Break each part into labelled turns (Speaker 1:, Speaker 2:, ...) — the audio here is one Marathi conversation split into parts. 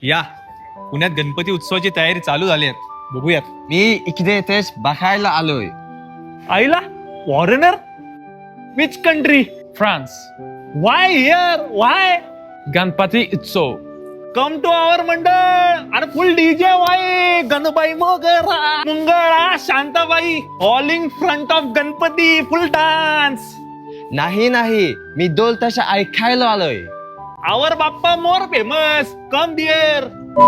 Speaker 1: या पुण्यात गणपती उत्सवाची तयारी चालू झाली आहे. बघूयात.
Speaker 2: मी इकडे तेच बघायला आलोय.
Speaker 3: आईला foreigner? Which country?
Speaker 1: France.
Speaker 3: Why here? Why?
Speaker 1: Ganpati उत्सव.
Speaker 3: कम टू आवर मंडळ आणि फुल DJ why Ganbai Mogra Mangala Shantabai all in front of Ganpati full dance.
Speaker 2: नाही नाही, मी डोल तशा ऐकायला आलोय.
Speaker 3: Our Bappa more famous. Come dear.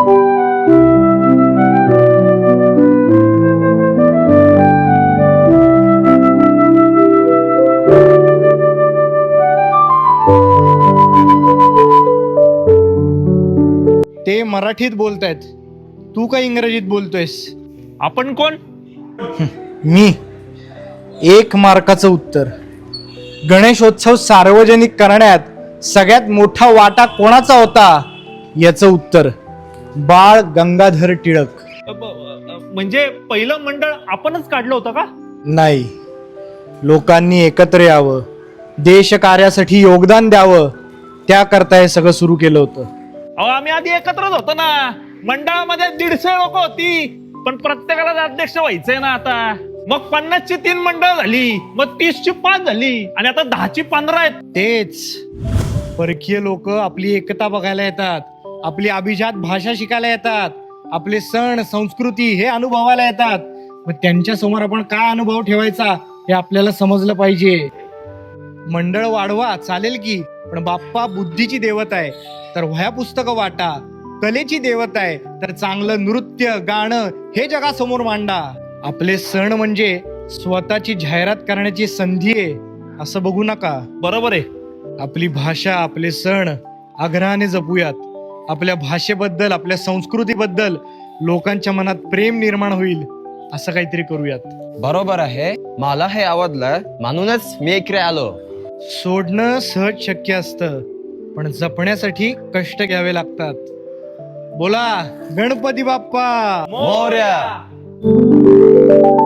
Speaker 4: ते मराठीत बोलतायत, तू काय इंग्रजीत बोलतोयस?
Speaker 3: आपण कोण?
Speaker 4: मी 1 मार्काचं उत्तर. गणेशोत्सव सार्वजनिक करण्यात सगळ्यात मोठा वाटा कोणाचा होता याचं उत्तर बाळ गंगाधर टिळक.
Speaker 3: म्हणजे पहिलं मंडळ आपणच काढलं होतं का?
Speaker 4: नाही, लोकांनी एकत्र यावं, देशकार्यासाठी योगदान द्यावं, त्याकरता हे सगळं सुरू केलं होतं.
Speaker 3: अहो आम्ही आधी एकत्रच होतो ना. मंडळामध्ये 150 लोक होती, पण प्रत्येकाला अध्यक्ष व्हायचंय ना आता. मग 50ची 3 मंडळ झाली, मग 30ची 5 झाली आणि आता 10ची 15 आहेत.
Speaker 4: तेच परकीय लोक आपली एकता बघायला येतात, आपली अभिजात भाषा शिकायला येतात, आपले सण संस्कृती हे अनुभवायला येतात. मग त्यांच्या समोर आपण काय अनुभव ठेवायचा हे आपल्याला समजलं पाहिजे. मंडळ वाढवा चालेल की, पण बाप्पा बुद्धीची देवता आहे तर वह्या पुस्तकं वाटा. कलेची देवता आहे तर चांगलं नृत्य गाणं हे जगासमोर मांडा. आपले सण म्हणजे स्वतःची जाहिरात करण्याची संधी आहे असं बघू नका.
Speaker 3: बरोबर आहे.
Speaker 4: आपली भाषा आपले सण आग्रहाने जपूयात. आपल्या भाषेबद्दल आपल्या संस्कृतीबद्दल लोकांच्या मनात प्रेम निर्माण होईल असं काहीतरी करूयात.
Speaker 2: बरोबर आहे, मला हे आवडलं म्हणूनच मी इकडे आलो.
Speaker 4: सोडणं सहज शक्य असतं, पण जपण्यासाठी कष्ट घ्यावे लागतात. बोला गणपती बाप्पा
Speaker 2: मोरया.